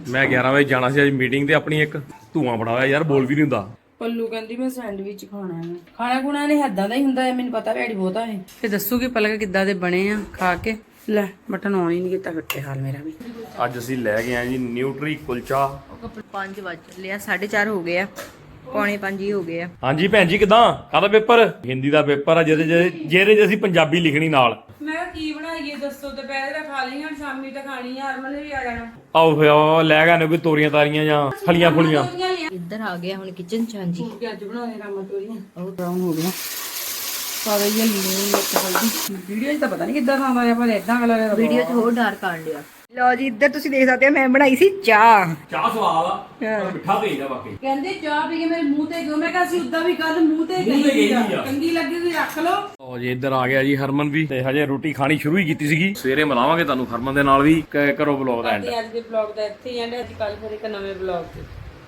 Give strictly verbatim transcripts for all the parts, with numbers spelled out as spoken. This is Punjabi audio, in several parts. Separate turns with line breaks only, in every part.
मैं ग्यारह बजे जाना सी अज मीटिंग ते अपनी एक धुआं बड़ा होया यार बोल भी नहीं हुंदा।
ਪੱਲੂ ਕਹਿੰਦੀ ਮੈਂ ਸੈਂਡਵਿਚ ਖਾਣਾ ਹੈ। ਖਾਣਾ ਖੁਣਾ ਨੇ ਹੱਦਾਂ ਦਾ ਹੀ ਹੁੰਦਾ ਹੈ, ਮੈਨੂੰ ਪਤਾ ਭੈੜੀ ਬਹੁਤਾ ਹੈ। ਫਿਰ ਦੱਸੂਗੀ ਪਲਕ ਕਿੱਦਾਂ ਦੇ ਬਣੇ ਆ ਖਾ ਕੇ। ਲੈ ਬਟਨ ਆਨ ਹੀ ਨਹੀਂ ਕੀਤਾ, ਕੱਟੇ ਹਾਲ ਮੇਰਾ ਵੀ।
ਅੱਜ ਅਸੀਂ ਲੈ ਕੇ ਆਏ ਜੀ ਨਿਊਟਰੀ ਕੁਲਚਾ।
ਪੰਜ ਵਜ ਲਿਆ, ਸਾਢੇ ਚਾਰ ਹੋ ਗਏ ਆ, ਪੌਣੇ ਪੰਜ ਹੀ ਹੋ ਗਏ ਆ।
ਹਾਂਜੀ ਭੈਣ ਜੀ ਕਿਦਾਂ ਕਾਹਦਾ ਪੇਪਰ? ਹਿੰਦੀ ਦਾ ਪੇਪਰ ਆ ਜਿਹਦੇ ਜਿਹਦੇ ਚ ਅਸੀਂ ਪੰਜਾਬੀ ਲਿਖਣੀ ਨਾਲ।
ਮੈਂ ਕਿਹਾ ਕੀ ਬਣਾਈਏ ਦੱਸੋ, ਦੁਪਹਿਰ ਦਾ ਖਾ ਲਈ, ਹੁਣ ਸ਼ਾਮੀ ਤਾਂ ਖਾਣੀ ਆ, ਹਰਮਨ ਨੇ ਵੀ ਆ ਜਾਣਾ।
ਆਓ ਫਿਰ ਆਓ ਲੈ ਗਏ ਨੇ ਕੋਈ ਤੋਰੀਆਂ ਤਾਰੀਆਂ ਜਾਂ ਫਲੀਆਂ ਫੁਲੀਆਂ।
ਇੱਧਰ ਆ ਗਿਆ ਹੁਣ ਕਿਚਨ ਚ। ਹਾਂਜੀ ਅੱਜ ਬਣਾਉਣੇ ਰਾਮਾ ਤੋਰੀਆਂ। ਉਹ ਬਰਾਊਨ ਹੋ ਗਿਆ ਸਾਰੇ ਇਹ ਲੂਣ ਮਿਰਚ ਹਲਦੀ। ਵੀਡੀਓ 'ਚ ਤਾਂ ਪਤਾ ਨਹੀਂ ਕਿੱਦਾਂ ਖਾਂਦਾ ਆ, ਪਰ ਇਦਾਂ ਕਲਰ ਵੀਡੀਓ 'ਚ ਹੋਰ ਡਾਰਕ ਆਣ ਲਿਆ। ਲਓ ਜੀ ਇੱਧਰ ਤੁਸੀਂ ਦੇਖ ਸਕਦੇ ਹੋ ਮੈਂ ਬਣਾਈ ਸੀ ਚਾਹ।
ਚਾਹ ਸਵਾਦ ਆ ਪਰ ਮਿੱਠਾ ਤੇਜ਼ ਆ ਬਾਕੀ।
ਕਹਿੰਦੇ ਚਾਹ ਪੀ ਕੇ ਮੇਰੇ ਮੂੰਹ ਤੇ ਕਿਉਂ? ਮੈਂ ਕਿਹਾ ਸੀ ਉਦਾਂ ਵੀ ਕੱਲ ਮੂੰਹ ਤੇ ਗਈ ਆ, ਚੰਗੀ ਲੱਗੀ ਤੁਸੀਂ ਰੱਖ ਲਓ।
ਲਓ ਜੀ ਇੱਧਰ ਆ ਗਿਆ ਜੀ ਹਰਮਨ ਵੀ, ਤੇ ਹਜੇ ਰੋਟੀ ਖਾਣੀ ਸ਼ੁਰੂ ਹੀ ਕੀਤੀ ਸੀਗੀ। ਸਵੇਰੇ ਮਿਲਾਵਾਂਗੇ ਤੁਹਾਨੂੰ ਹਰਮਨ ਦੇ ਨਾਲ ਵੀ। ਕਰੋ ਬਲੌਗ ਦਾ ਐਂਡ।
ਅੱਜ ਦੇ ਬਲੌਗ ਦਾ ਇੱਥੇ ਹੀ ਐਂਡ। ਅੱਜ ਕੱਲ ਫਿਰ ਇੱਕ ਨਵੇਂ ਬਲੌਗ 'ਚ।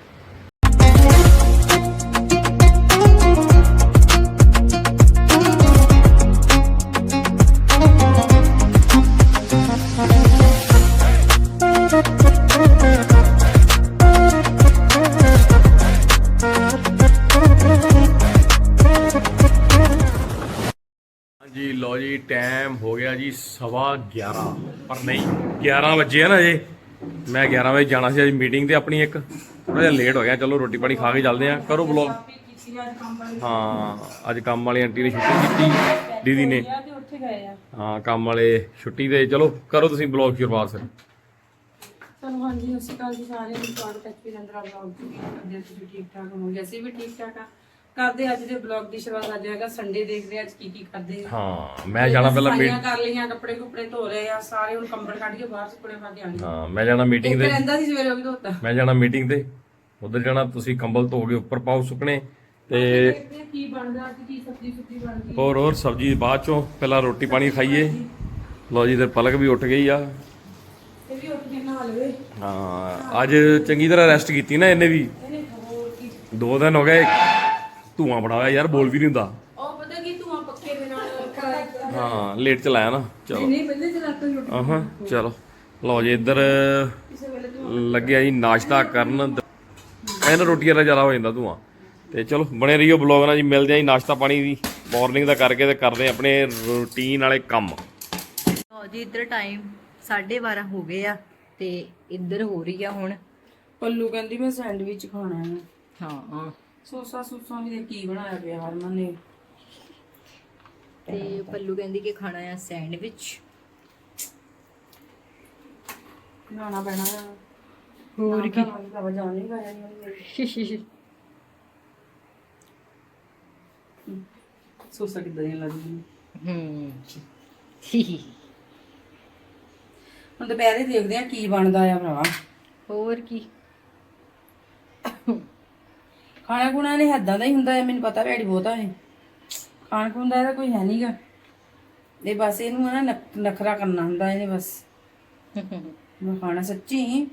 जी लो जी टाइम हो गया जी सवा ग्यारह, पर नहीं ग्यारह बजे है ना जी। मैं ग्यारह बजे जाना सी अज मीटिंग ते अपनी एक, थोड़ा जिहा लेट हो गया। चलो रोटी पानी खा के चलते हैं। करो ब्लॉग। हाँ अज काम वाली आंटी ने छुट्टी की, दीदी ने। हाँ काम वाले छुट्टी ते। चलो करो तुसीं ब्लॉग शुरुआत फिर।
चलो हाँ जी, सत श्री अकाल जी सारे स्वागत है फिर अंदर ब्लॉग जी। तुसीं ठीक ठाक होवोगे, ਅਸੀਂ ਵੀ ਠੀਕ ਠਾਕ ਆ। ਕਰਦੇ ਅੱਜ ਦੇ ਬਲੌਗ ਦੀ ਸ਼ੁਰੂਆਤ। ਅੱਜ ਹੈਗਾ ਸੰਡੇ, ਦੇਖਦੇ ਅੱਜ ਕੀ ਕੀ ਕਰਦੇ।
ਹਾਂ ਮੈਂ ਜਾਣਾ ਪਹਿਲਾਂ
ਮੀਟਿੰਗ ਕਰ ਲਈਆਂ, ਕੱਪੜੇ ਕੁਪੜੇ ਧੋ ਰਹੇ ਆ ਸਾਰੇ, ਹੁਣ ਕੰਬਲ ਕੱਢ ਕੇ ਬਾਹਰ ਸੁੱਕਣੇ ਪਾ ਕੇ ਆਣੀ।
ਹਾਂ ਮੈਂ ਜਾਣਾ ਮੀਟਿੰਗ ਤੇ।
ਰਹਿੰਦਾ ਸੀ ਸਵੇਰੇ ਉਹ ਵੀ ਧੋਤਾ।
ਮੈਂ ਜਾਣਾ ਮੀਟਿੰਗ ਤੇ, ਉਧਰ ਜਾਣਾ। ਤੁਸੀਂ ਕੰਬਲ ਧੋ ਕੇ ਉੱਪਰ ਪਾਓ ਸੁੱਕਣੇ ਤੇ
ਕੀ ਬਣਦਾ ਅੱਜ, ਕੀ ਸਬਜ਼ੀ ਸੁਬਜ਼ੀ ਬਣਦੀ।
ਹੋਰ ਹੋਰ ਸਬਜ਼ੀ ਬਾਅਦ ਚੋਂ, ਪਹਿਲਾਂ ਰੋਟੀ ਪਾਣੀ ਖਾਈਏ। ਲਓ ਜੀ ਤੇ ਪਲਕ ਵੀ ਉੱਠ ਗਈ ਆ।
ਇਹ ਵੀ ਉੱਠ ਕੇ ਨਹਾ ਲਵੇ।
ਹਾਂ ਅੱਜ ਚੰਗੀ ਤਰ੍ਹਾਂ ਰੈਸਟ ਕੀਤੀ ਨਾ ਇਹਨੇ ਵੀ। ਦੋ ਦਿਨ ਹੋ ਗਏ ਧੂਆਂ ਬੜਾ ਹੋਇਆ ਯਾਰ, ਬੋਲ ਵੀ ਨਹੀਂ ਹੁੰਦਾ।
ਉਹ ਪਤਾ ਕੀ ਧੂਆਂ ਪੱਕੇ ਦੇ ਨਾਲ।
ਹਾਂ ਲੇਟ ਚਲਾਇਆ ਨਾ। ਚਲੋ
ਨਹੀਂ ਪਹਿਲੇ ਚਲਾ ਕੇ ਰੋਟੀ।
ਆਹਾਂ ਚਲੋ। ਲਓ ਜੀ ਇੱਧਰ ਲੱਗਿਆ ਜੀ ਨਾਸ਼ਤਾ ਕਰਨ। ਇਹਨਾਂ ਰੋਟੀਆਂ ਦਾ ਜ਼ਿਆਦਾ ਹੋ ਜਾਂਦਾ ਧੂਆਂ। ਤੇ ਚਲੋ ਬਣੇ ਰਹੀਓ ਬਲੌਗ ਨਾਲ ਜੀ। ਮਿਲਦੇ ਆ ਜੀ ਨਾਸ਼ਤਾ ਪਾਣੀ ਦੀ ਮਾਰਨਿੰਗ ਦਾ ਕਰਕੇ ਤੇ ਕਰਦੇ ਆਪਣੇ ਰੂਟੀਨ ਵਾਲੇ ਕੰਮ।
ਲਓ ਜੀ ਇੱਧਰ ਟਾਈਮ ਸਾਢੇ ਬਾਰਾਂ ਹੋ ਗਏ ਆ ਤੇ ਇੱਧਰ ਹੋ ਰਹੀ ਆ ਹੁਣ।
ਪੱਲੂ ਕਹਿੰਦੀ ਮੈਂ ਸੈਂਡਵਿਚ ਖਾਣਾ ਹੈ।
ਹਾਂ
ਸੋਸਾ ਸੂਸਾ ਵੀ ਦੇ ਕੀ ਬਣਾਇਆ ਪਿਆ ਹਰਮਨ ਨੇ।
ਤੇ ਪੱਲੂ ਕਹਿੰਦੀ ਕਿ ਖਾਣਾ ਆ ਸੈਂਡਵਿਚ।
ਖਾਣਾ ਪੈਣਾ ਆ।
ਹੋਰ ਕੀ।
ਜਾਣ ਨਹੀਂ ਪਾਇਆ ਨਹੀਂ। ਸੋਸਾ ਕਿੱਦਾਂ ਦੀ ਲੱਗਦੀ।
ਹੂੰ
ਹੁਣ ਦੁਪਹਿਰੇ ਦੇਖਦੇ ਆ ਕੀ ਬਣਦਾ ਆ ਭਰਾਵਾ।
ਹੋਰ ਕੀ।
ਖਾਣਾ ਖੁਣਾ ਨੇ ਹੱਦਾਂ ਦਾ ਹੀ ਹੁੰਦਾ ਹੈ, ਮੈਨੂੰ ਪਤਾ ਭੈੜੀ ਬਹੁਤਾ ਹੈ। ਖਾਣ ਖੂਣ ਦਾ ਇਹਦਾ ਕੋਈ ਹੈ ਨਹੀਂਗਾ। ਇਹ ਬਸ ਇਹਨੂੰ ਹੈ ਨਾ ਨਖਰਾ ਕਰਨਾ ਹੁੰਦਾ ਇਹਨੇ ਬਸ। ਮੈਂ ਖਾਣਾ ਸੱਚੀ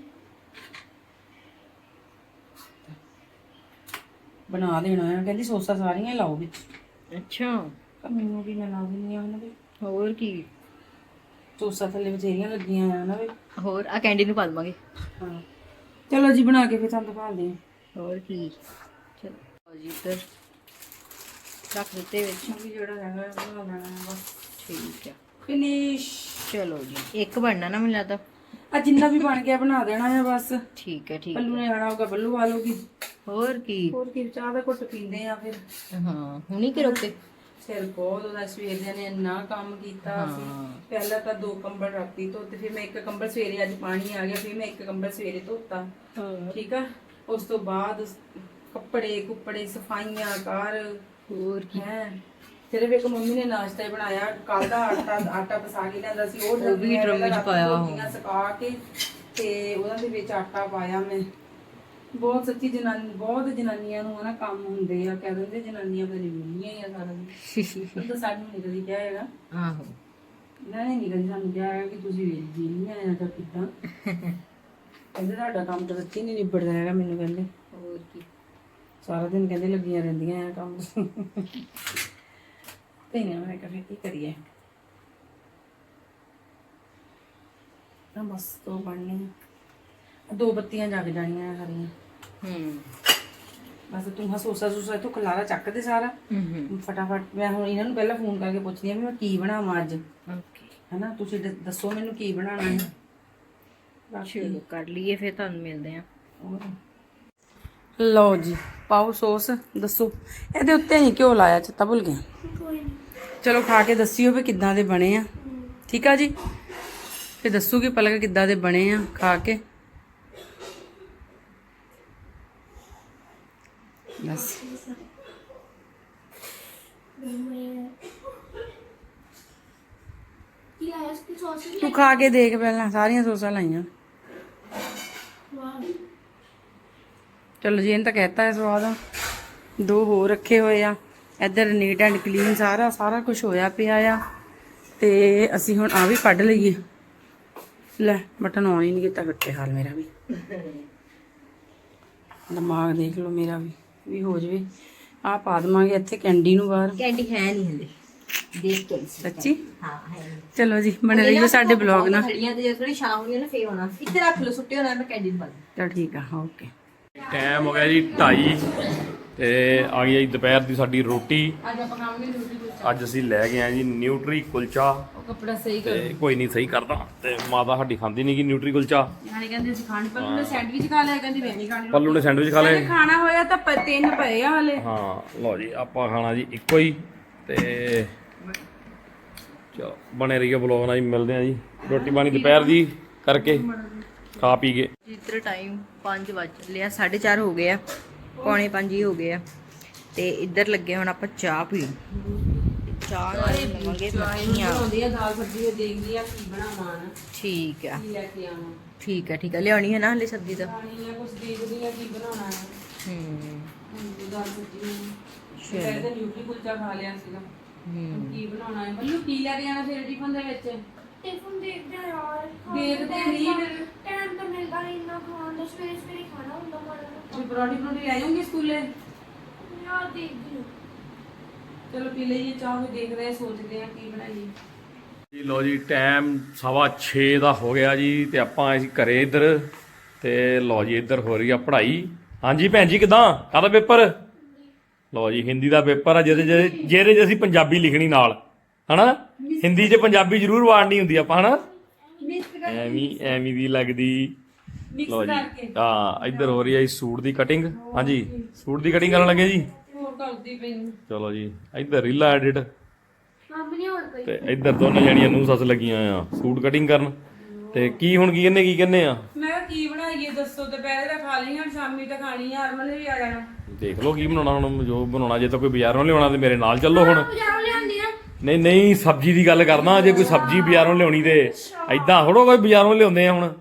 ਬਣਾ ਦੇਣਾ ਹੈ। ਕਹਿੰਦੀ ਸੋਸਾ ਸਾਰੀਆਂ ਲਾਓ ਵਿੱਚ।
ਅੱਛਾ
ਮੈਨੂੰ ਵੀ ਮੈਂ ਲਾ ਦਿੰਦੀ ਆ ਉਹਨਾਂ ਦੇ।
ਹੋਰ ਕੀ।
ਸੋਸਾ ਥੱਲੇ ਬਥੇਰੀਆਂ ਲੱਗੀਆਂ ਆ ਨਾ ਵੇ।
ਹੋਰ ਆ ਕੈਂਡੀ ਨੂੰ ਪਾ ਦਵਾਂਗੇ।
ਹਾਂ ਚਲੋ ਜੀ ਬਣਾ ਕੇ ਫਿਰ ਤੁਹਾਨੂੰ ਦਿਖਾਉਂਦੇ ਆ।
ਹੋਰ ਕੀ। ਚਲੋ ਜੀ ਇੱਧਰ ਰੱਖ ਦਿੱਤੇ ਵਿੱਚ।
ਵੀ ਜਿਹੜਾ ਹੈਗਾ ਬਣਾ ਲੈਣਾ ਹੈ ਬਸ।
ਠੀਕ ਆ
ਫਿਨਿਸ਼।
ਚਲੋ ਜੀ ਇੱਕ ਬਣਨਾ ਨਾ ਮੈਨੂੰ ਲੱਗਦਾ।
ਆ ਜਿੰਨਾ ਵੀ ਬਣ ਗਿਆ ਬਣਾ ਦੇਣਾ ਹੈ ਬਸ।
ਠੀਕ ਹੈ ਠੀਕ
ਪੱਲੂ ਨੇ ਆਣਾ ਹੋਗਾ, ਪੱਲੂ ਆ ਲੂਗੀ।
ਹੋਰ ਕੀ।
ਹੋਰ ਕੀ ਚਾਹ ਦਾ ਘੁੱਟ ਪੀਂਦੇ ਆ ਫਿਰ।
ਹਾਂ ਹੁਣੀ ਕਿ ਰੋਕੇ।
ਸਿਰ ਬਹੁਤ ਉਹਦਾ ਸਵੇਰ ਦੇ ਨੇ ਇੰਨਾ ਕੰਮ ਕੀਤਾ ਸੀ। ਪਹਿਲਾਂ ਤਾਂ ਦੋ ਕੰਬਲ ਰਾਤੀ ਧੋਤੇ, ਫਿਰ ਮੈਂ ਇੱਕ ਕੰਬਲ ਸਵੇਰੇ, ਅੱਜ ਪਾਣੀ ਆ ਗਿਆ ਫਿਰ ਮੈਂ ਇੱਕ ਕੰਬਲ ਸਵੇਰੇ ਧੋਤਾ। ਠੀਕ ਆ। ਉਸ ਤੋਂ ਬਾਅਦ ਕੱਪੜੇ ਕੁੱਪੜੇ ਸਫਾਈਆਂ ਕਰ। ਹੋਰ ਕੀ ਹੈ। ਸਿਰਫ ਇੱਕ ਮੰਮੀ ਨੇ ਨਾਸ਼ਤਾ ਹੀ ਬਣਾਇਆ। ਕੱਲ ਦਾ ਆਟਾ ਆਟਾ ਪਸਾ ਕੇ ਲਿਆਂਦਾ ਸੀ, ਉਹ
ਵੀ ਡਰਮ ਵਿੱਚ ਪਾਇਆ
ਹੋਇਆ ਸੁਕਾ ਕੇ ਤੇ ਉਹਨਾਂ ਦੇ ਵਿੱਚ ਆਟਾ ਪਾਇਆ ਮੈਂ। ਬਹੁਤ ਸੱਚੀ ਜਨਾਨੀ ਬਹੁਤ ਜਨਾਨੀਆਂ ਨੂੰ ਹਨਾ ਕੰਮ ਹੁੰਦੇ ਆ। ਕਹਿ ਦਿੰਦੇ ਜਨਾਨੀਆਂ ਫਿਰ ਵਿਹਲੀਆਂ ਹੀ ਆ ਸਾਰਾ ਦਿਨ। ਤਾਂ ਸਾਨੂੰ ਨਹੀਂ ਕਦੀ ਕਿਹਾ ਹੈਗਾ।
ਆਹੋ
ਇਹਨਾਂ ਨੇ ਨਹੀਂ ਕਦੀ ਸਾਨੂੰ ਕਿਹਾ ਹੈਗਾ ਕਿ ਤੁਸੀਂ ਵਿਹਲੀਆਂ ਆ ਜਾਂ ਕਿੱਦਾਂ। ਕਹਿੰਦੇ ਤੁਹਾਡਾ ਕੰਮ ਤਾਂ ਸੱਚੀ ਨਹੀਂ ਨਿਬੜਦਾ ਹੈਗਾ। ਮੈਨੂੰ ਕਹਿੰਦੇ
ਹੋਰ ਕੀ।
ਸਾਰਾ ਦਿਨ ਕਹਿੰਦੇ ਲੱਗੀਆਂ ਰਹਿੰਦੀਆਂ ਆ ਕੰਮ ਤੇ ਨਾ ਮੈਂ ਕਿਹਾ ਕੀ ਕਰੀਏ। ਤਾਂ ਬਸ ਤੋਂ ਬਣਨੇ ਦੋ ਬੱਤੀਆਂ ਜਗ ਜਾਣੀਆਂ ਹਰੀਆਂ।
ਹੂੰ
ਬਸ ਤੂੰ ਹਸੋਸਾ ਸੋਸਾ ਇਥੋਂ ਖਲਾਰਾ ਚੱਕ ਦੇ ਸਾਰਾ
ਹੂੰ
ਫਟਾਫਟ। ਮੈਂ ਹੁਣ ਇਹਨਾਂ ਨੂੰ ਪਹਿਲਾਂ ਫੋਨ ਕਰਕੇ ਪੁੱਛਦੀ ਆ ਵੀ ਮੈਂ ਕੀ ਬਣਾਵਾਂ ਅੱਜ,
ਓਕੇ
ਹਨਾ? ਤੁਸੀਂ ਦ- ਦੱਸੋ ਮੈਨੂੰ ਕੀ ਬਣਾਉਣਾ ਹੈ। ਬਾਕੀ
ਚਲੋ ਕਰ ਲਈਏ ਫਿਰ ਤੁਹਾਨੂੰ ਮਿਲਦੇ ਆ।
ਲਓ ਜੀ, ਪਾਓ ਸੌਸ। ਦੱਸੋ ਇਹਦੇ ਉੱਤੇ ਨਹੀਂ ਘਿਓ ਲਾਇਆ, ਚੇਤਾ ਭੁੱਲ ਗਿਆ। ਚਲੋ ਖਾ ਕੇ ਦੱਸਿਓ ਵੀ ਕਿੱਦਾਂ ਦੇ ਬਣੇ ਆ, ਠੀਕ ਆ ਜੀ? ਫਿਰ ਦੱਸੂਗੀ ਪਲਕ ਕਿੱਦਾਂ ਦੇ ਬਣੇ ਆ ਖਾ ਕੇ। ਬਸ ਤੂੰ ਖਾ ਕੇ ਦੇਖ, ਪਹਿਲਾਂ ਸਾਰੀਆਂ ਸੌਸਾਂ ਲਾਈਆਂ। ਚਲੋ ਜੀ, ਇਹਨੇ ਤਾਂ ਕਹਿਤਾ ਹੈ ਸਵਾਦ ਆ। ਦੋ ਹੋਰ ਰੱਖੇ ਹੋਏ ਆ ਇੱਧਰ, ਨੀਟ ਐਂਡ ਕਲੀਨ ਸਾਰਾ ਸਾਰਾ ਕੁਝ ਹੋਇਆ ਪਿਆ ਆ। ਤੇ ਅਸੀਂ ਹੁਣ ਆ ਵੀ ਕੱਢ ਲਈਏ। ਲੈ ਬਟਨ ਆਨ ਹੀ ਨਹੀਂ ਕੀਤਾ, ਕੱਟੇ ਹਾਲ ਮੇਰਾ ਵੀ। ਦਿਮਾਗ ਦੇਖ ਲਓ ਮੇਰਾ ਵੀ ਵੀ ਹੋ ਜਵੇ। ਆ ਪਾ ਦੇਵਾਂਗੇ ਇੱਥੇ ਕੈਂਡੀ ਨੂੰ ਬਾਹਰ।
ਕੈਂਡੀ ਹੈ ਨਹੀਂ ਹਲੇ, ਦੇਖ ਕੇ
ਸੱਚੀ?
ਹਾਂ ਹੈ।
ਚਲੋ ਜੀ, ਬਣੇ ਰਹੀਓ ਸਾਡੇ ਬਲੌਗ ਨਾਲ।
ਖੜੀਆਂ ਤੇ ਥੋੜੀ ਛਾਂ ਹੋਣੀ ਨਾ ਫੇਰ ਹੋਣਾ। ਇੱਥੇ ਰੱਖ ਲਓ, ਸੁੱਟੇ ਹੋਣਾ, ਮੈਂ ਕੈਂਡੀ ਨੂੰ ਪਾ ਦੂੰ।
ਚਲ ਠੀਕ ਆ, ਓਕੇ।
ਟਾਈਮ ਹੋ ਗਿਆ ਜੀ ਢਾਈ ਤੇ ਆ ਗਈ ਜੀ ਦੁਪਹਿਰ ਦੀ ਸਾਡੀ ਰੋਟੀ।
ਅੱਜ ਆਪਾਂ ਖਾਵਾਂਗੇ ਨਿਊਟਰੀ ਕੁਲਚਾ।
ਅੱਜ ਅਸੀਂ ਲੈ ਗਏ ਆ ਜੀ ਨਿਊਟਰੀ ਕੁਲਚਾ।
ਉਹ ਕੱਪੜਾ ਸਹੀ ਕਰ।
ਤੇ ਕੋਈ ਨਹੀਂ, ਸਹੀ ਕਰਦਾ। ਤੇ ਮਾਤਾ ਸਾਡੀ ਖਾਂਦੀ ਨਹੀਂ ਗੀ ਨਿਊਟਰੀ ਕੁਲਚਾ।
ਨਾਲੇ ਕਹਿੰਦੇ ਅਸੀਂ ਖਾਣ, ਪੱਲੂ ਨੇ ਸੈਂਡਵਿਚ ਖਾ ਲਿਆ, ਕਹਿੰਦੀ ਮੈਂ ਨਹੀਂ ਖਾਣੀ।
ਪੱਲੂ ਨੇ ਸੈਂਡਵਿਚ ਖਾ ਲਏ।
ਖਾਣਾ ਹੋਇਆ ਤਾਂ ਪ- ਤਿੰਨ ਪਏ ਆ ਹਲੇ।
ਹਾਂ ਲਓ ਜੀ, ਆਪਾਂ ਖਾਣਾ ਜੀ ਇੱਕੋ ਹੀ। ਤੇ ਚਲੋ ਬਣੇ ਰਹੀਏ ਬਲੌਗ ਨਾਲ ਜੀ। ਮਿਲਦੇ ਆ ਜੀ ਰੋਟੀ ਪਾਣੀ ਦੁਪਹਿਰ ਦੀ ਕਰਕੇ ਖਾ ਪੀ ਕੇ।
ਜਿੱਧਰ ਟਾਈਮ ਪੰਜ ਵੱਜ ਲਿਆ, ਸਾਢੇ ਚਾਰ ਹੋ ਗਏ ਆ, ਪੌਣੇ ਪੰਜ ਹੀ ਹੋ ਗਏ ਆ। ਤੇ ਇੱਧਰ ਲੱਗੇ ਹੁਣ ਆਪਾਂ ਚਾਹ ਪੀਣ। ਚਾਹ ਨਾਲ ਲਵਾਂਗੇ ਮੱਠੀਆਂ।
ਬਣਾਉਂਦੀ ਆ ਦਾਲ ਸਬਜ਼ੀ, ਉਹ ਦੇਖਦੀ ਆ ਕੀ ਬਣਾਵਾਂ ਨਾ,
ਠੀਕ ਆ
ਕੀ ਲੈ ਕੇ ਆਵਾਂ।
ਠੀਕ ਆ ਠੀਕ ਆ, ਲਿਆਉਣੀ ਹੈ ਨਾ ਹਲੇ ਸਬਜ਼ੀ ਤਾਂ।
ਖਾਣੀ ਆ ਕੁਝ, ਦੇਖਦੀ ਆ ਕੀ ਬਣਾਉਣਾ ਹੈ।
ਹੂੰ
ਹੁਣ ਦਾਲ ਸਬਜ਼ੀ
ਚਲੋ।
ਪਹਿਲੇ ਤਾਂ ਨਿਊਟਰੀ ਕੁਲਚਾ ਖਾ ਲਿਆ ਸੀਗਾ।
ਹੂੰ
ਹੁਣ ਕੀ ਬਣਾਉਣਾ ਹੈ? ਬੱਲੂ ਕੀ ਲੈ ਕੇ ਆਣਾ ਫਿਰ ਟਿਫਨ ਦੇ ਵਿੱਚ?
ਟਿਫਨ ਦੇਖਦੇ ਆ ਯਾਰ।
ਦੇਖਦੇ ਨਹੀਂ ਫਿਰ।
ਟਾਈਮ ਤਾਂ ਮਿਲਦਾ ਨਹੀਂ ਇੰਨਾ ਖਾਣ ਦਾ, ਸਵੇਰੇ ਸਵੇਰੇ ਖਾਣਾ ਹੁੰਦਾ ਮਾੜਾ
ਕੋਈ ਪਰੌਂਠੀ ਪਰੌਂਠੀ ਲੈ ਜਾਊਂਗੀ ਸਕੂਲੇ?
ਯਾਰ ਦੇਖਦੀ ਹਾਂ।
ਚਲੋ ਪੀ ਲਈਏ ਚਾਹ, ਫਿਰ ਦੇਖਦੇ ਆ, ਸੋਚਦੇ ਆ ਕੀ ਬਣਾਈਏ।
ਜੀ ਲੋ ਜੀ, ਟਾਈਮ ਸਵਾ ਛੇ ਦਾ ਹੋ ਗਿਆ ਜੀ ਤੇ ਆਪਾਂ ਆਏ ਸੀ ਘਰੇ ਇੱਧਰ। ਤੇ ਲੋ ਜੀ, ਇੱਧਰ ਹੋ ਰਹੀ ਆ ਪੜ੍ਹਾਈ। ਹਾਂਜੀ ਭੈਣ ਜੀ, ਕਿਦਾਂ ਕਾਹਦਾ ਪੇਪਰ? ਲੋ ਜੀ, ਹਿੰਦੀ ਦਾ ਪੇਪਰ ਆ, ਜਿਹਦੇ ਜਿਹਦੇ ਜਿਹਦੇ 'ਚ ਅਸੀਂ ਪੰਜਾਬੀ ਲਿਖਣੀ ਨਾਲ, ਹਨਾ? ਹਿੰਦੀ 'ਚ ਪੰਜਾਬੀ ਜ਼ਰੂਰ ਵਾੜਨੀ ਹੁੰਦੀ ਆਪਾਂ, ਹਨਾ? ਐਵੇਂ ਐਵੇਂ ਦੀ ਲੱਗਦੀ। ਲੋ ਜੀ, ਹਾਂ ਇੱਧਰ ਹੋ ਰਹੀ ਹੈ ਜੀ ਸੂਟ ਦੀ ਕਟਿੰਗ। ਹਾਂਜੀ, ਸੂਟ ਦੀ ਕਟਿੰਗ ਕਰਨ ਲੱਗੇ ਜੀ।
ਹੋਰ ਕਰਦੀ ਪਈ।
ਚਲੋ ਜੀ, ਇੱਧਰ ਰੀਲਾ ਐਡਿਟ
ਮੰਮ ਨਹੀਂ ਹੋਰ ਕੋਈ।
ਤੇ ਇੱਧਰ ਦੋਨੇ ਜਣੀਆਂ ਨੂੰ ਸੱਸ ਲੱਗੀਆਂ ਆ ਸੂਟ ਕਟਿੰਗ ਕਰਨ। ਤੇ ਕੀ ਹੁਣ ਕੀ ਕਹਿੰਦੇ ਕੀ ਕਹਿੰਦੇ ਆ?
ਮੈਂ ਕਿਹਾ ਕੀ ਬਣਾਈਏ ਦੱਸੋ? ਦੁਪਹਿਰੇ ਤਾਂ ਖਾ ਲਈ, ਹੁਣ ਸ਼ਾਮੀ ਤਾਂ ਖਾਣੀ ਆ। ਹਰਮਨ ਨੇ ਵੀ ਆ ਜਾਣਾ।
ਦੇਖ ਲਓ ਕੀ ਬਣਾਉਣਾ ਹੁਣ, ਜੋ ਬਣਾਉਣਾ। ਜੇ ਤਾਂ ਕੋਈ ਬਾਜ਼ਾਰੋਂ ਲਿਆਉਣਾ ਤੇ ਮੇਰੇ ਨਾਲ ਚੱਲੋ ਹੁਣ।
ਬਾਜ਼ਾਰੋਂ ਲਿਆਂਦੀ ਆ।
ਨਹੀਂ ਨਹੀਂ, ਸਬਜ਼ੀ ਦੀ ਗੱਲ ਕਰਨਾ। ਜੇ ਕੋਈ ਸਬਜ਼ੀ ਬਾਜ਼ਾਰੋਂ ਲਿਆਉਣੀ ਤੇ ਐਦਾਂ ਥੋੜੋ ਕੋਈ ਬਾਜ਼ਾਰੋਂ ਲਿਆਉਂਦੇ ਆ ਹੁਣ।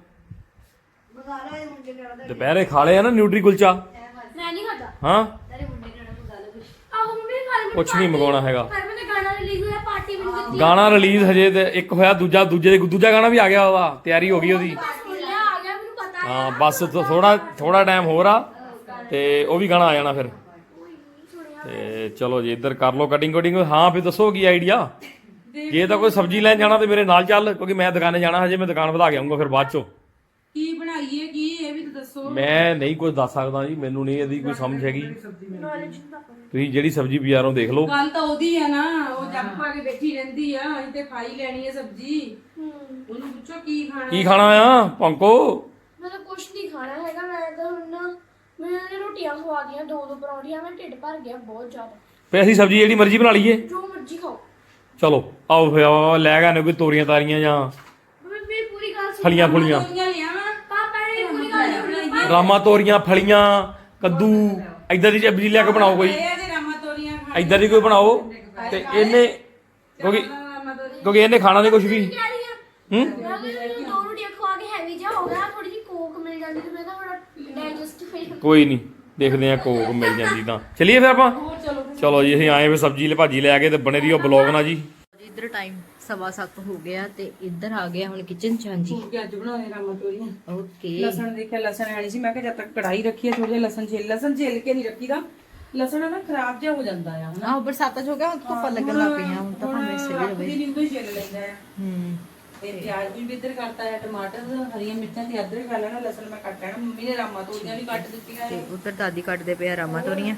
ਦੁਪਹਿਰੇ ਖਾ ਲਿਆ ਨਾ ਨਿਊਟਰੀ ਕੁਲਚਾ।
ਮੈਂ ਨਹੀਂ ਖਾਦਾ।
ਹਾਂ
ਆਹੋ ਮੰਮੀ ਖਾ ਲਈ।
ਕੁਛ ਨਹੀਂ ਮੰਗਵਾਉਣਾ ਹੈਗਾ।
ਹਰਮਨ ਦਾ ਗਾਣਾ ਰਿਲੀਜ਼ ਹੋਇਆ, ਪਾਰਟੀ ਮੈਨੂੰ ਦਿੱਤੀ।
ਗਾਣਾ ਰਿਲੀਜ਼ ਹਜੇ ਤੇ ਇੱਕ ਹੋਇਆ, ਦੂਜਾ ਦੂਜੇ ਦੂਜਾ ਗਾਣਾ ਵੀ ਆ ਗਿਆ, ਉਹਦਾ ਤਿਆਰੀ ਹੋ ਗਈ ਉਹਦੀ।
ਸੁਣ ਲਿਆ, ਆ ਗਿਆ ਮੈਨੂੰ ਪਤਾ।
ਹਾਂ ਬਸ ਥੋੜਾ ਥੋੜਾ ਟਾਈਮ ਹੋਰ ਆ ਤੇ ਉਹ ਵੀ ਗਾਣਾ ਆ ਜਾਣਾ ਫਿਰ। ਤੇ ਚਲੋ ਜੀ, ਇੱਧਰ ਕਰ ਲਓ ਕਟਿੰਗ ਕਟਿੰਗ। ਹਾਂ ਫਿਰ ਦੱਸੋ ਕੀ ਆਈਡੀਆ? ਜੇ ਤਾਂ ਕੋਈ ਸਬਜ਼ੀ ਲੈਣ ਜਾਣਾ ਤੇ ਮੇਰੇ ਨਾਲ ਚੱਲ, ਕਿਉਂਕਿ ਮੈਂ ਦੁਕਾਨੇ ਜਾਣਾ ਹਜੇ। ਮੈਂ ਦੁਕਾਨ ਵਧਾ ਕੇ ਆਉਂਗਾ ਫਿਰ ਬਾਅਦ ਚੋਂ।
ਕੀ ਬਣਾਈਏ ਕੀ, ਇਹ ਵੀ ਤਾਂ ਦੱਸੋ।
ਮੈਂ ਨਹੀਂ ਕੁਝ ਦੱਸ ਸਕਦਾ ਜੀ, ਮੈਨੂੰ ਨਹੀਂ ਇਹਦੀ ਕੋਈ ਸਮਝ ਹੈਗੀ। ਤੁਸੀਂ ਜਿਹੜੀ ਸਬਜ਼ੀ ਬਾਜ਼ਾਰੋਂ ਦੇਖ ਲਓ।
ਗੱਲ ਤਾਂ ਉਹਦੀ ਆ ਨਾ, ਉਹ ਜੱਗ ਪਾ ਕੇ ਬੈਠੀ ਰਹਿੰਦੀ ਆ। ਅਸੀਂ ਤੇ ਖਾਈ ਲੈਣੀ ਹੈ ਸਬਜ਼ੀ। ਉਹਨੂੰ ਪੁੱਛੋ ਕੀ ਖਾਣਾ।
ਕੀ ਖਾਣਾ ਆ ਪੰਕੋ?
ਮੈਂ ਤਾਂ ਕੁਛ ਨਹੀਂ ਖਾਣਾ ਹੈਗਾ। ਮੈਂ ਤਾਂ ਹੁਣ ਨਾ, ਮੈਂ ਨੇ ਰੋਟੀਆਂ ਖਵਾ ਦੀਆਂ, ਦੋ ਦੋ ਪਰੌਂਠੀਆਂ। ਮੈਂ ਢਿੱਡ ਭਰ ਗਿਆ ਬਹੁਤ ਜ਼ਿਆਦਾ।
ਫੇ ਅਸੀਂ ਸਬਜ਼ੀ ਜਿਹੜੀ ਮਰਜ਼ੀ ਬਣਾ ਲਈਏ।
ਜੋ ਮਰਜ਼ੀ ਖਾਓ।
ਚਲੋ ਆਓ ਫਿਰ ਆਓ, ਲੈ ਗਏ ਨੇ ਕੋਈ ਤੋਰੀਆਂ ਤਾਰੀਆਂ ਜਾਂ
ਮੈਂ ਮੇਰੀ ਪੂਰੀ ਗੱਲ ਸੁਣ।
ਫਲੀਆਂ ਫੁਲੀਆਂ।
ਪਾਪਾ ਨੇ ਪੂਰੀ ਗੱਲ ਸੁਣੀ।
ਰਾਮਾ ਤੋਰੀਆਂ, ਫਲੀਆਂ, ਕੱਦੂ, ਇਦਾਂ ਦੀ ਸਬਜ਼ੀ ਲਿਆ ਕੇ ਬਣਾਓ ਕੋਈ। ਇਦਾਂ ਦੀ ਕੋਈ ਬਣਾਓ। ਤੇ ਇਹਨੇ ਕਿਉਂਕਿ ਕਿਉਂਕਿ ਇਹਨੇ ਖਾਣਾ ਨਹੀਂ ਕੁਝ ਵੀ। ਹੂੰ
ਮੈਂ ਕਿਹਾ ਦੋ ਰੋਟੀਆਂ ਖਵਾ ਕੇ ਹੈਵੀ ਜਾ ਹੋ ਗਿਆ। ਥੋੜੀ ਜਿਹੀ ਕੋਕ ਮਿਲ ਜਾਂਦੀ ਤੇ ਮੈਂ ਤਾਂ ਥੋੜਾ ਡਾਈਜੈਸਟ ਫੀਲ।
ਕੋਈ ਨਹੀਂ, ਦੇਖਦੇ ਆ ਕੋਕ ਮਿਲ ਜਾਂਦੀ ਤਾਂ ਚਲੀਏ ਫਿਰ ਆਪਾਂ। ਚਲੋ ਜੀ, ਅਸੀਂ ਆਏ ਵੇ ਸਬਜ਼ੀ ਭਾਜੀ ਲੈ ਕੇ ਤੇ ਬਣੇ ਰਹੀ ਉਹ ਬਲੌਗ ਨਾਲ ਜੀ।
ਇੱਧਰ ਟਾਈਮ ਸਵਾ ਸੱਤ ਹੋ ਗਿਆ ਤੇ ਇੱਧਰ ਆ ਗਿਆ ਹੁਣ ਕਿਚਨ ਚ। ਹਾਂਜੀ
ਅੱਜ ਬਣਾਉਣੇ ਰਾਮਾ ਤੋਰੀਆਂ।
ਓਕੇ।
ਲਸਣ ਦੇਖਿਆ, ਲਸਣ ਆਣੀ ਸੀ। ਮੈਂ ਕਿਹਾ ਜਦ ਤੱਕ ਕੜਾਈ ਰੱਖੀ ਹੈ ਥੋੜਾ ਜਿਹਾ ਲਸਣ ਛਿੱਲ। ਲਸਣ ਛਿੱਲ ਕੇ ਨਹੀਂ ਰੱਖੀਦਾ, ਲਸਣ ਨਾ ਖਰਾਬ ਜਿਹਾ ਹੋ ਜਾਂਦਾ ਆ ਹਨਾ।
ਆਹ ਬਰਸਾਤਾਂ ਚ ਹੋ ਗਿਆ, ਹੁਣ ਧੁੱਪਾਂ ਲੱਗਣ ਲੱਗ ਪਈਆਂ। ਹੁਣ ਤਾਂ ਭਾਵੇਂ ਸਹੀ ਰਵੇ।
ਨਿੰਬੂ ਛਿੱਲ ਲੈਂਦਾ ਆ।
ਹੂੰ
ਤੇ ਪਿਆਜ਼ ਵੀ ਇੱਧਰ ਕਰਤਾ ਹੈ, ਟਮਾਟਰ ਹਰੀਆਂ ਮਿਰਚਾਂ ਤੇ ਅਦਰਕ ਕਰ ਲੈਣਾ, ਲਸਣ ਮੈਂ ਕੱਟ ਲੈਣਾ, ਮੰਮੀ ਨੇ ਰਾਮਾ ਤੋਰੀਆਂ ਵੀ ਕੱਟ ਦਿੱਤੀਆਂ
ਤੇ
ਨੇ।
ਉਧਰ ਦਾਦੀ ਕੱਟਦੇ ਪਏ ਆ ਰਾਮਾ ਤੋਰੀਆਂ।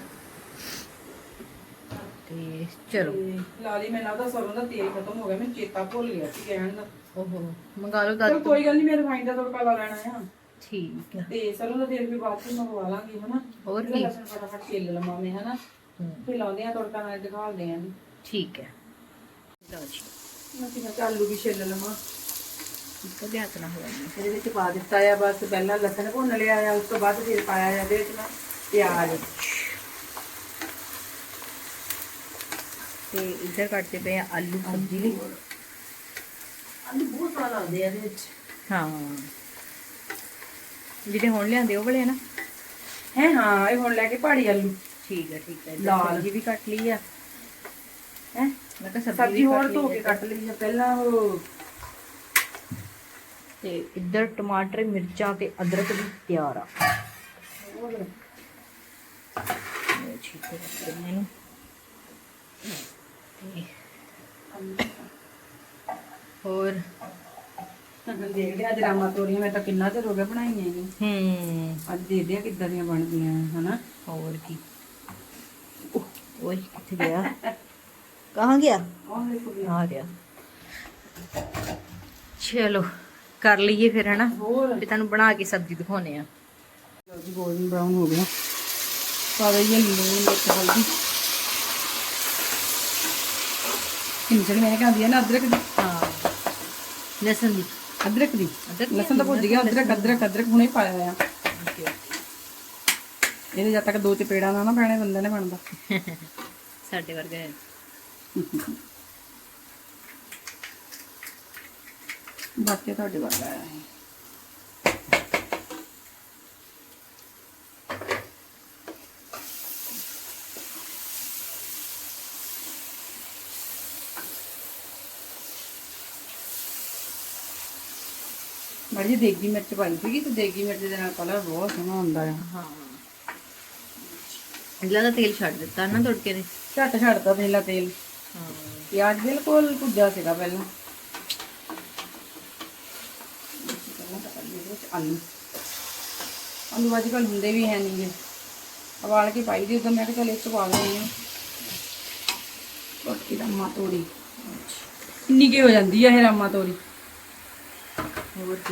ਤੇ ਚਲੋ
ਤੇ ਲਾ ਲਈ, ਮੈਨੂੰ ਲੱਗਦਾ ਸਰੋਂ ਦਾ ਤੇਲ ਖਤਮ ਹੋ ਗਿਆ, ਮੈਨੂੰ ਚੇਤਾ ਭੁੱਲ ਗਿਆ ਸੀ ਕਹਿਣ ਦਾ।
ਓਹੋ ਮੰਗਾ ਲਓ
ਚਲ
ਦਾਦੀ।
ਕੋਈ ਗੱਲ ਨਹੀਂ, ਮੈਂ ਰਿਫਾਈਂਡ ਦਾ ਤੜਕਾ ਲਾ ਲੈਣਾ ਆ।
ਠੀਕ ਆ।
ਤੇ ਸਰੋਂ ਦਾ ਤੇਲ ਵੀ ਬਾਅਦ ਚ ਮੰਗਵਾ ਲਾਂਗੀ ਹਨਾ।
ਹੋਰ
ਇਹਦਾ
ਕੀ?
ਲਸਣ ਫਟਾਫਟ ਛਿੱਲ ਲਵਾਂ ਮੈਂ ਹਨਾ, ਫਿਰ ਲਾਉਂਦੇ ਆ ਤੜਕਾ ਨਾਲ ਦਿਖਾਉਂਦੇ ਆ।
ਠੀਕ ਹੈ ਲਓ ਜੀ,
ਅਸੀਂ ਮੈਂ ਆਲੂ ਵੀ ਛਿੱਲ ਲਵਾਂ।
ਕਦੇ ਹੱਥ ਨਾ ਹੋਇਆ।
ਇਹਦੇ ਵਿੱਚ ਪਾ ਦਿੱਤਾ ਆ ਬਸ, ਪਹਿਲਾਂ ਲਸਣ ਭੁੰਨ ਲਿਆ ਆ, ਉਸ ਤੋਂ ਬਾਅਦ ਫਿਰ ਪਾਇਆ ਆ ਇਹਦੇ ਵਿੱਚ ਨਾ ਪਿਆਜ਼।
ਤੇ ਇੱਧਰ ਕੱਟਦੇ ਪਏ ਆ ਆਲੂ ਸਬਜ਼ੀ ਲਈ।
ਆਲੂ ਬਹੁਤ ਸਵਾਦ ਆਉਂਦੇ ਆ ਇਹਦੇ ਵਿੱਚ।
ਹਾਂ ਜਿਹੜੇ ਹੁਣ ਲਿਆਂਦੇ ਉਹ ਵਾਲੇ ਆ ਨਾ?
ਹੈ ਹਾਂ, ਇਹ ਹੁਣ ਲੈ ਕੇ ਪਹਾੜੀ ਆਲੂ।
ਠੀਕ ਹੈ ਠੀਕ ਹੈ।
ਲਾਲ।
ਸਬਜ਼ੀ ਵੀ ਕੱਟ ਲਈ ਆ।
ਹੈ
ਮੈਂ ਕਿਹਾ
ਸਬਜ਼ੀ ਹੋਰ ਧੋ ਕੇ ਕੱਟ ਲਈ ਆ ਪਹਿਲਾਂ ਉਹ।
ਤੇ ਇੱਧਰ ਟਮਾਟਰ ਮਿਰਚਾਂ ਤੇ ਅਦਰਕ ਵੀ ਤਿਆਰ ਆ।
ਹੋਰ
ਠੀਕ ਹੈ ਇਹਨੂੰ। ਤੇ ਹੋਰ
ਦੇਖ ਲਿਆ ਅੱਜ ਰਾਮਾ ਤੋਰੀਆਂ, ਮੈਂ ਤਾਂ ਕਿੰਨਾ ਚਿਰ ਹੋ ਗਿਆ ਬਣਾਈਆਂ ਜੀ।
ਹੂੰ
ਅੱਜ ਦੇਖਦੇ ਆ ਕਿੱਦਾਂ ਦੀਆਂ ਬਣਦੀਆਂ ਹਨਾ।
ਹੋਰ ਕੀ। ਓਏ ਕਿੱਥੇ ਗਿਆ? ਕਹਾਂ ਗਿਆ?
ਆਹ ਦੇਖੋ ਵੀ।
ਆ ਗਿਆ। ਚਲੋ ਕਰ ਲਈਏ ਫਿਰ ਹਨਾ,
ਹੋਰ
ਫਿਰ ਤੁਹਾਨੂੰ ਬਣਾ ਕੇ ਸਬਜ਼ੀ ਦਿਖਾਉਨੇ ਆ।
ਲਓ ਜੀ, ਗੋਲਡਨ ਬਰਾਊਨ ਹੋ ਗਿਆ। ਪਾ ਦਈਏ ਲੂਣ, ਮਿਰਚ, ਹਲਦੀ। ਕਿੰਨੀ ਮੈਂ ਕਹਿੰਦੀ ਆ ਨਾ ਅਦਰਕ ਦੀ।
ਹਾਂ ਲਸਣ ਦੀ।
ਅਦਰਕ ਦੀ
ਅਦਰਕ
ਲਸਣ ਤਾਂ ਭੁੱਜ ਗਿਆ। ਅਦਰਕ ਅਦਰਕ ਅਦਰਕ ਹੁਣੇ ਪਾਇਆ ਆ।
ਓਕੇ
ਇਹਦੇ ਜਦ ਤੱਕ ਦੋ ਚਪੇੜਾ ਨਾ ਨਾ ਪੈਣੇ ਬੰਦੇ ਨੇ ਬਣਦਾ।
ਸਾਡੇ ਵਰਗਾ ਹੈ।
ਬਾਕੀ ਤੁਹਾਡੇ ਵਰਗਾ ਆ ਇਹ। ਬੜੀ ਦੇਗੀ ਮਿਰਚ ਪਾਈ ਸੀਗੀ, ਤੇ ਦੇਗੀ ਮਿਰਚ ਦੇ ਨਾਲ ਕਲਰ ਬਹੁਤ ਸੋਹਣਾ ਹੁੰਦਾ ਆ।
ਹਾਂ ਅਗਲਾ ਦਾ ਤੇਲ ਛੱਡ ਦਿੱਤਾ ਨਾ ਤੜਕੇ ਦੇ।
ਝੱਟ ਛੱਡਦਾ ਪਹਿਲਾਂ ਤੇਲ।
ਹਾਂ
ਪਿਆਜ਼ ਬਿਲਕੁਲ ਭੁੱਜਾ ਸੀਗਾ ਪਹਿਲਾਂ। ਪਹਿਲਾਂ ਤਾਂ ਇਹਦੇ ਵਿੱਚ ਆਲੂ ਆਲੂ ਅੱਜ ਕੱਲ੍ਹ ਹੁੰਦੇ ਵੀ ਹੈ ਨਹੀਂ ਗੇ, ਉਬਾਲ ਕੇ ਪਾਈ ਦੀ ਉਦੋਂ। ਮੈਂ ਕਿਹਾ ਚੱਲ ਇਹ 'ਚ ਪਾ ਦਿੰਦੀ ਹਾਂ। ਬਾਕੀ ਰਾਮਾ ਤੋਰੀ ਇੰਨੀ ਕੀ ਹੋ ਜਾਂਦੀ ਆ ਇਹ ਰਾਮਾ ਤੋਰੀ।
ਹੋਰ ਕੀ।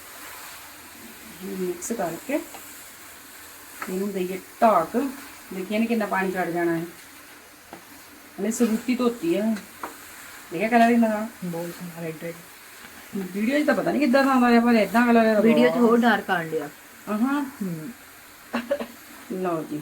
ਮਿਕਸ ਕਰਕੇ ਇਹਨੂੰ ਦਈਏ ਢਾਕ। ਦੇਖੀਏ ਨੇ ਕਿੰਨਾ ਪਾਣੀ ਛੱਡ ਜਾਣਾ ਹੈ। ਹਲੇ ਸਬੂਤੀ ਧੋਤੀ ਹੈ। ਦੇਖਿਆ ਕਲਰ ਇਹਨਾਂ ਦਾ
ਬਹੁਤ ਸੋਹਣਾ ਰੈਡ ਰੈਡ।
ਵੀਡੀਓ 'ਚ ਤਾਂ ਪਤਾ ਨਹੀਂ ਕਿੱਦਾਂ ਦਾ ਆਉਂਦਾ ਹੈ, ਪਰ ਇਦਾਂ ਕਲਰ ਹੈ।
ਵੀਡੀਓ 'ਚ ਹੋਰ ਡਾਰਕ ਆਣ ਲਿਆ।
ਹਾਂ
ਹੂੰ
ਲਓ ਜੀ,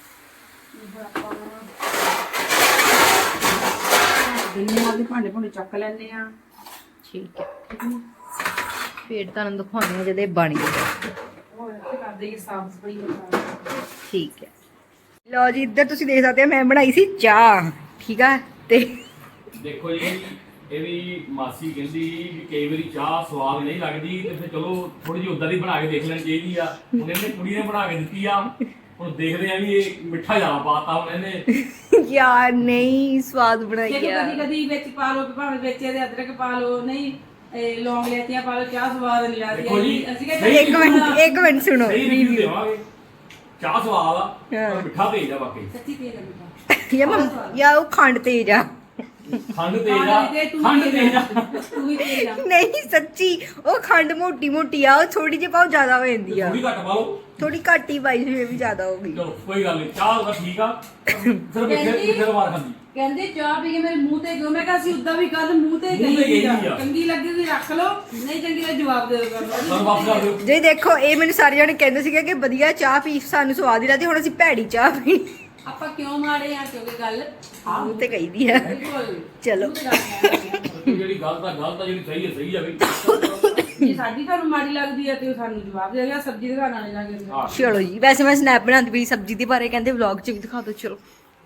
ਦੁਨੀਆ ਦੇ ਭਾਂਡੇ ਭੁੰਡੇ ਚੱਕ ਲੈਂਦੇ ਆ।
ਠੀਕ ਹੈ। ਫਿਰ ਤੁਹਾਨੂੰ ਦਿਖਾਉਂਦੇ ਆ ਜਦੋਂ ਇਹ ਬਣ ਗਏ।
ਹੋਰ ਇੱਥੇ ਕਰ ਦਈਏ ਸਾਫ ਸਫਾਈ ਕਰਨਾ।
ਠੀਕ ਹੈ। ਲਓ ਜੀ, ਇੱਧਰ ਤੁਸੀਂ ਦੇਖ ਸਕਦੇ ਹੋ ਮੈਂ ਬਣਾਈ ਸੀ ਚਾਹ। ਠੀਕ ਆ। ਤੇ
ਦੇਖੋ ਜੀ, ਇਹਦੀ ਮਾਸੀ ਕਹਿੰਦੀ ਵੀ ਕਈ ਵਾਰੀ ਚਾਹ ਸਵਾਦ ਨਹੀਂ ਲੱਗਦੀ, ਤੇ ਫਿਰ ਚਲੋ ਥੋੜੀ ਜਿਹੀ ਉਦਾਂ ਦੀ ਬਣਾ ਕੇ ਦੇਖ ਲੈਣੀ ਚਾਹੀਦੀ ਆ। ਹੁਣ ਇਹਨੇ ਕੁੜੀ ਨੇ ਬਣਾ ਕੇ ਦਿੱਤੀ ਆ, ਹੁਣ ਦੇਖਦੇ ਆ ਵੀ ਇਹ ਮਿੱਠਾ ਜ਼ਿਆਦਾ ਪਾਤਾ ਹੁਣ ਇਹਨੇ।
ਯਾਰ ਨਹੀਂ ਸਵਾਦ ਬਣਾਈ
ਜੇ
ਆ।
ਕਦੀ ਕਦੀ ਵਿੱਚ ਪਾ ਲਓ, ਭਾਵੇਂ ਵਿੱਚ ਇਹਦੇ ਅਦਰਕ ਪਾ ਲਓ, ਨਹੀਂ ਇਹ ਲੌਂਗ ਲੈਤੀਆਂ ਪਾ ਲਓ, ਚਾਹ ਸਵਾਦ ਨਹੀਂ ਲੱਗਦੀ
ਦੇਖੋ ਜੀ,
ਅਸੀਂ ਕਹਿੰਦੇ
ਇੱਕ ਮਿੰਟ ਇੱਕ ਮਿੰਟ ਸੁਣੋ।
ਸਹੀ ਰਿਵਿਊ ਦੇਵਾਂਗੇ। ਚਾਹ ਸਵਾਦ ਆ, ਪਰ ਮਿੱਠਾ ਤੇਜ਼ ਆ ਬਾਕੀ।
ਸੱਚੀ ਤੇਜ਼ ਲੱਗਦਾ।
ਯਾ ਮੰਮ ਯਾ ਉਹ ਖੰਡ ਤੇਜ ਆ।
ਖੰਡ ਤੇਜ਼ ਆ, ਖੰਡ ਤੇਜ਼ ਆ।
ਤੂੰ ਵੀ ਤੇਜ਼ ਆ।
ਨਹੀਂ ਸੱਚੀ ਉਹ ਖੰਡ ਮੋਟੀ ਮੋਟੀ ਆ, ਉਹ ਥੋੜੀ ਜਿਹੀ ਪਾਉ ਜ਼ਿਆਦਾ ਹੋ ਜਾਂਦੀ ਆ।
ਥੋੜੀ ਘੱਟ ਪਾ ਲਓ।
ਥੋੜੀ ਘੱਟ ਹੀ ਪਾਈ ਸੀ, ਵੀ ਜ਼ਿਆਦਾ ਹੋ ਗਈ।
ਚਲੋ ਕੋਈ ਗੱਲ ਨਹੀਂ, ਚਾਹ ਤਾਂ ਠੀਕ ਆ, ਸਿਰਫ ਮਿੱਠੇ ਮਿੱਠੇ ਵਾਰ ਖਾਂਦੀ।
ਕਹਿੰਦੇ ਚਾਹ ਪੀ ਕੇ ਮੇਰੇ ਮੂੰਹ ਤੇ ਕਿਉਂ? ਮੈਂ ਕਿਹਾ ਅਸੀਂ ਉਦਾਂ ਵੀ ਕੱਲ ਮੂੰਹ ਤੇ
ਮੂੰਹ ਤੇ
ਗਈ
ਗਈ
ਆ।
ਆ।
ਚੰਗੀ ਲੱਗੀ ਤੁਸੀਂ ਰੱਖ ਲਓ, ਨਹੀਂ ਚੰਗੀ ਤਾਂ ਜਵਾਬ ਦੇ ਦਿਓ।
ਸਾਨੂੰ ਵਾਪਸ ਕਰ ਦਿਓ।
ਜੇ ਦੇਖੋ ਇਹ ਮੈਨੂੰ ਸਾਰੇ ਜਣੇ ਕਹਿੰਦੇ ਸੀਗੇ ਕਿ ਵਧੀਆ ਚਾਹ ਪੀ, ਸਾਨੂੰ ਸਵਾਦ ਹੀ ਲੱਗਦੀ, ਹੁਣ ਅਸੀਂ ਭੈੜੀ ਚਾਹ ਪੀ।
ਆਪਾਂ ਕਿਉਂ ਮਾੜੇ ਆ? ਕਿਉਂਕਿ ਗੱਲ
ਮੂੰਹ ਤੇ ਕਹੀਦੀ ਆ।
ਬਿਲਕੁਲ
ਚਲੋ
ਮੂੰਹ ਤੇ ਗੱਲ ਕਹਿ ਰਹੇ
ਜਿਹੜੀ ਗਲਤ ਆ ਗਲਤ ਆ, ਜਿਹੜੀ ਸਹੀ ਹੈ ਸਹੀ ਆ ਵੀ।
ਆ। ਜੇ ਸਾਡੀ ਤੁਹਾਨੂੰ ਮਾੜੀ ਲੱਗਦੀ ਹੈ ਤੇ ਉਹ ਸਾਨੂੰ ਜਵਾਬ ਦੇ ਗਿਆ। ਸਬਜ਼ੀ ਦਿਖਾਣ ਵਾਲੇ ਜਾ ਕੇ
ਹਾਂ।
ਚਲੋ ਜੀ, ਵੈਸੇ ਮੈਂ ਸਨੈਪ ਬਣਾਉਂਦੀ ਪਈ ਸਬਜ਼ੀ ਦੇ ਬਾਰੇ, ਕਹਿੰਦੇ ਵਲੌਗ 'ਚ ਵੀ ਦਿਖਾ ਦਿਓ। ਚਲੋ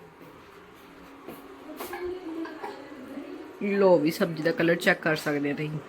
ਲੋ ਵੀ ਸਬਜ਼ੀ ਦਾ ਕਲਰ ਚੈੱਕ ਕਰ ਸਕਦੇ ਹੋ ਤੁਸੀਂ।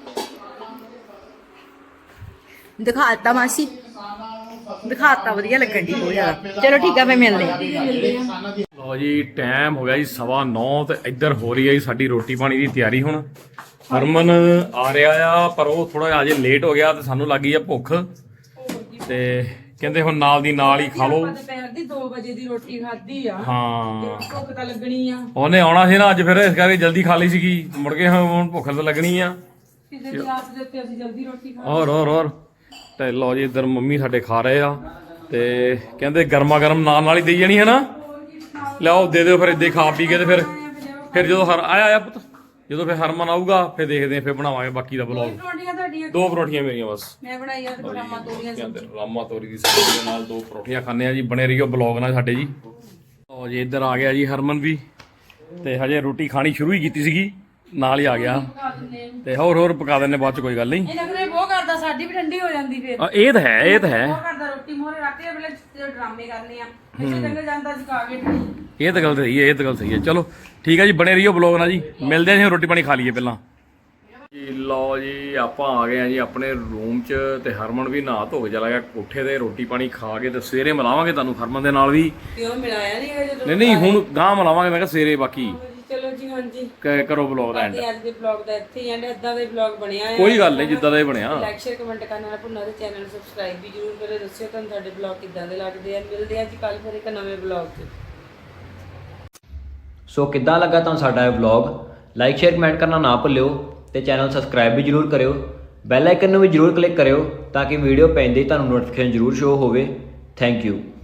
ਦਿਖਾਤਾ ਮਾਸੀ, ਦਿਖਾਤਾ, ਵਧੀਆ ਲੱਗਣ ਦੀ ਬਹੁਤ ਜ਼ਿਆਦਾ। ਚਲੋ ਠੀਕ ਆ, ਫੇ ਮਿਲਦੇ ਆ।
ਲਓ ਜੀ, ਟਾਈਮ ਹੋ ਗਿਆ ਜੀ ਸਵਾ ਨੌ, ਤੇ ਇੱਧਰ ਹੋ ਰਹੀ ਹੈ ਜੀ ਸਾਡੀ ਰੋਟੀ ਪਾਣੀ ਦੀ ਤਿਆਰੀ। ਹੁਣ ਹਰਮਨ ਆ ਰਿਹਾ ਆ ਪਰ ਉਹ ਥੋੜਾ ਜਿਹਾ ਅਜੇ ਲੇਟ ਹੋ ਗਿਆ ਤੇ ਸਾਨੂੰ ਲੱਗੀ ਆ ਭੁੱਖ ਤੇ ਕਹਿੰਦੇ ਹੁਣ ਨਾਲ ਦੀ ਨਾਲ ਹੀ ਖਾ ਲਓ।
ਆਪਾਂ ਦੁਪਹਿਰ ਦੀ ਦੋ ਵਜੇ ਦੀ ਰੋਟੀ ਖਾਧੀ ਆ,
ਹਾਂ
ਭੁੱਖ ਤਾਂ ਲੱਗਣੀ ਆ।
ਉਹਨੇ ਆਉਣਾ ਸੀ ਨਾ ਅੱਜ, ਫਿਰ ਇਸ ਕਰਕੇ ਜਲਦੀ ਖਾ ਲਈ ਸੀਗੀ, ਮੁੜ ਕੇ ਹੁਣ ਭੁੱਖ ਤਾਂ ਲੱਗਣੀ ਆ।
ਕਿਸੇ ਦੀ ਆਸ ਦੇ ਉੱਤੇ ਅਸੀਂ ਜਲਦੀ ਰੋਟੀ ਖਾ
ਹੋਰ ਹੋਰ ਹੋਰ ਤੇ ਲਓ ਜੀ ਇੱਧਰ ਮੰਮੀ ਸਾਡੇ ਖਾ ਰਹੇ ਆ ਤੇ ਕਹਿੰਦੇ ਗਰਮਾ ਗਰਮ ਨਾਲ ਨਾਲ ਹੀ ਦੇਈ ਜਾਣੀ ਹੈ ਨਾ। ਲਿਆਓ ਦੇ ਦਿਓ ਫਿਰ ਇੱਦਾਂ ਹੀ ਖਾ ਪੀ ਕੇ ਤੇ ਫਿਰ ਫਿਰ ਜਦੋਂ ਹਰ ਆਇਆ ਆਇਆ ਪੁੱਤ ਜਦੋਂ ਫਿਰ ਹਰਮਨ ਆਊਗਾ ਫਿਰ ਦੇਖਦੇ ਆ, ਫਿਰ ਬਣਾਵਾਂਗੇ ਬਾਕੀ ਦਾ ਵਲੌਗ।
ਪਰੌਂਠੀਆਂ ਤੁਹਾਡੀਆਂ
ਦੋ ਪਰੌਂਠੀਆਂ ਮੇਰੀਆਂ ਬਸ।
ਮੈਂ ਬਣਾਈ ਆ ਤੇ ਰਾਮਾ ਤੋਰੀਆਂ
ਕਹਿੰਦੇ ਰਾਮਾ ਤੋਰੀ ਦੀ ਸਬਜ਼ੀ ਦੇ ਨਾਲ ਦੋ ਪਰੌਂਠੀਆਂ ਖਾਣੇ ਆ ਜੀ। ਬਣੇ ਰਹੀਓ ਬਲੌਗ ਨਾਲ ਸਾਡੇ ਜੀ। ਲਓ ਜੀ ਇੱਧਰ ਆ ਗਿਆ ਜੀ ਹਰਮਨ ਵੀ ਤੇ ਹਜੇ ਰੋਟੀ ਖਾਣੀ ਸ਼ੁਰੂ ਹੀ ਕੀਤੀ ਸੀਗੀ, ਨਾਲ ਹੀ ਆ ਗਿਆ ਤੇ ਹੋਰ ਹੋਰ ਪਕਾ ਦਿੰਨੇ ਬਾਅਦ ਚ, ਕੋਈ ਗੱਲ ਨਹੀਂ।
ਇਹ ਨਖਰੇ ਬਹੁਤ ਕਰਦਾ, ਸਾਡੀ ਵੀ ਠੰਡੀ ਹੋ ਜਾਂਦੀ ਫਿਰ।
ਆ, ਇਹ ਤਾਂ ਹੈ ਇਹ ਤਾਂ ਹੈ
ਬਹੁਤ ਕਰਦਾ, ਰੋਟੀ ਮੋਰੇ ਰੱਖ ਕੇ ਵੇਲੇ ਡਰਾਮੇ ਕਰਨੇ ਆ, ਇੱਥੇ ਚੰਗਾ ਜਾਂਦਾ ਸੀ ਖਾ ਕੇ।
ਇਹ ਤਾਂ ਗੱਲ ਸਹੀ ਹੈ, ਇਹ ਤਾਂ ਗੱਲ ਸਹੀ ਹੈ। ਚਲੋ ਠੀਕ ਹੈ ਜੀ, ਬਣੇ ਰਹੀਓ ਬਲੌਗ ਨਾਲ ਜੀ। ਮਿਲਦੇ ਆ ਜੀ, ਰੋਟੀ ਪਾਣੀ ਖਾ ਲਈਏ ਪਹਿਲਾਂ ਜੀ। ਲਓ ਜੀ ਆਪਾਂ ਆ ਗਏ ਆ ਜੀ ਆਪਣੇ ਰੂਮ 'ਚ ਤੇ ਹਰਮਨ ਵੀ ਨਹਾ ਧੋ ਕੇ ਚਲਾ ਗਿਆ ਕੋਠੇ ਤੇ। ਰੋਟੀ ਪਾਣੀ ਖਾ ਕੇ ਤੇ ਸਵੇਰੇ ਮਿਲਾਵਾਂਗੇ ਤੁਹਾਨੂੰ ਹਰਮਨ ਦੇ ਨਾਲ ਵੀ।
ਕਿਉਂ ਮਿਲਾਇਆ ਨਹੀਂ ਹੈ ਜਦੋਂ?
ਨਹੀਂ ਨਹੀਂ ਹੁਣ ਗਾਂ ਮਿਲਾਵਾਂਗੇ, ਮੈਂ ਕਿਹਾ ਸਵੇਰੇ। ਬਾਕੀ
ਚਲੋ ਜੀ, ਹਾਂਜੀ
ਕ- ਕਰੋ ਬਲੌਗ ਦਾ ਐਂਡ।
ਤੇ ਅੱਜ ਦੇ ਵਲੌਗ ਦਾ ਇੱਥੇ ਹੀ ਐਂਡ। ਇਦਾਂ ਦਾ ਵਲੌਗ ਬਣਿਆ ਹੈ,
ਕੋਈ ਗੱਲ ਨਹੀਂ, ਜਿੱਦਾਂ ਦਾ ਇਹ ਬਣਿਆ।
ਲਾਈਕ ਸ਼ੇਅਰ ਕਮੈਂਟ ਕਰਨਾ ਨਾ ਭੁੱਲਣਾ ਤੇ ਚੈਨਲ ਨੂੰ ਸਬਸਕ੍ਰਾਈਬ ਵੀ ਜਰੂਰ ਕਰਿਓ। ਦੱਸਿਓ ਤੁਹਾਨੂੰ ਸਾਡੇ ਵਲੌਗ ਕਿੱਦਾਂ ਦੇ ਲੱਗਦੇ ਆ। ਮਿਲਦੇ ਆ ਜੀ ਕੱਲ ਫਿਰ ਇੱਕ ਨਵੇਂ ਵਲੌਗ 'ਚ।
ਸੋ ਕਿੱਦਾਂ ਲੱਗਾ ਤੁਹਾਨੂੰ ਸਾਡਾ ਇਹ ਵਲੌਗ? ਲਾਈਕ ਸ਼ੇਅਰ ਕਮੈਂਟ ਕਰਨਾ ਨਾ ਭੁੱਲਿਓ ਤੇ ਚੈਨਲ ਸਬਸਕ੍ਰਾਈਬ ਵੀ ਜਰੂਰ ਕਰਿਓ। ਬੈਲ ਆਈਕਨ ਨੂੰ ਵੀ ਜਰੂਰ ਕਲਿੱਕ ਕਰਿਓ ਤਾਂ ਕਿ ਵੀਡੀਓ ਪੈਂਦੇ ਹੀ ਤੁਹਾਨੂੰ ਨੋਟੀਫਿਕੇਸ਼ਨ ਜਰੂਰ ਸ਼ੋ ਹੋਵੇ। Thank you.